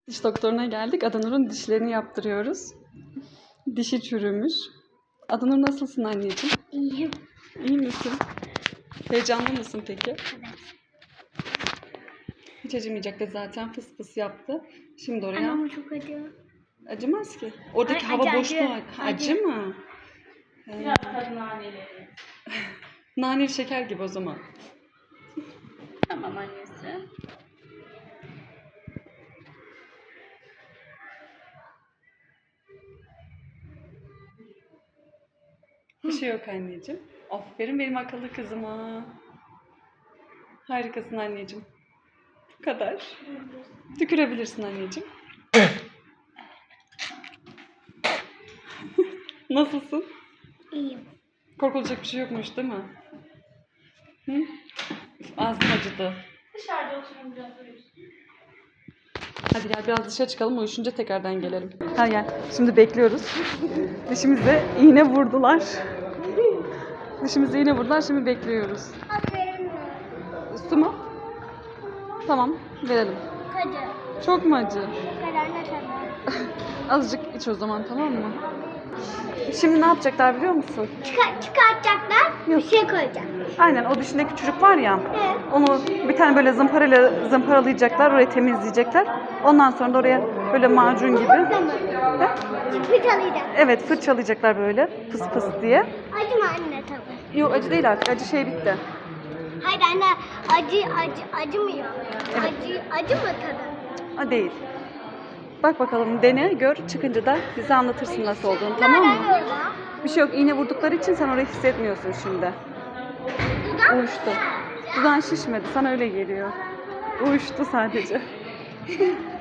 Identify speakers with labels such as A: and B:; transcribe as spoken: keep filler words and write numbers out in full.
A: Diş doktoruna geldik. Adanur'un dişlerini yaptırıyoruz. Dişi çürümüş. Adanur nasılsın anneciğim?
B: İyiyim.
A: İyi misin? Heyecanlı mısın peki?
B: Evet.
A: Hiç acımayacaktı zaten, fıs fıs yaptı. Şimdi oraya...
B: Ama çok acı.
A: Acımaz ki. Oradaki
B: Ay,
A: hava
B: acı,
A: boşluğu
B: acı.
A: acı, acı mı?
C: Biraz tadı naneleri.
A: Naneli şeker gibi o zaman.
C: Tamam annesi.
A: Bir şey yok anneciğim. Aferin benim akıllı kızıma. Harikasın anneciğim. Bu kadar. Tükürebilirsin anneciğim. Nasılsın?
B: İyiyim.
A: Korkulacak bir şey yokmuş değil mi? Hı? Ağzım acıdı.
C: Dışarıda oturun biraz uyusun.
A: Hadi gel biraz dışarı çıkalım, uyuşunca tekrardan gelelim. Hadi gel. Şimdi bekliyoruz. Dişimize iğne vurdular. Dişimize iğne vurdular, şimdi bekliyoruz.
B: Aferin.
A: Su mu? Tamam, verelim.
B: Acı.
A: Çok mu acı?
B: Bu kadar ne tadı?
A: Azıcık iç o zaman, tamam mı? Şimdi ne yapacaklar biliyor musun?
B: Çıkar, çıkartacaklar.
A: Yok.
B: Bir şey koyacak.
A: Aynen, o dişindeki çocuk var ya,
B: Evet.
A: onu bir tane böyle zımparayla zımparalayacaklar, orayı temizleyecekler. Ondan sonra da oraya böyle macun gibi.
B: Tamam.
A: He?
B: Fırçalayacak.
A: Evet, fırçalayacaklar böyle pıs pıs diye.
B: Acı mı anne tadı?
A: Yok, acı değil artık, acı şey bitti.
B: Hayır anne, acı acı acımıyor. Acı acı mı tadı?
A: Ha, değil. Bak bakalım, dene, gör, çıkınca da bize anlatırsın nasıl olduğunu, tamam mı?
B: Nereden orada?
A: Bir şey yok, iğne vurdukları için sen orayı hissetmiyorsun şimdi.
B: Dudak.
A: Uyuştu. Dudağın şişmedi, sana öyle geliyor. Uyuştu sadece.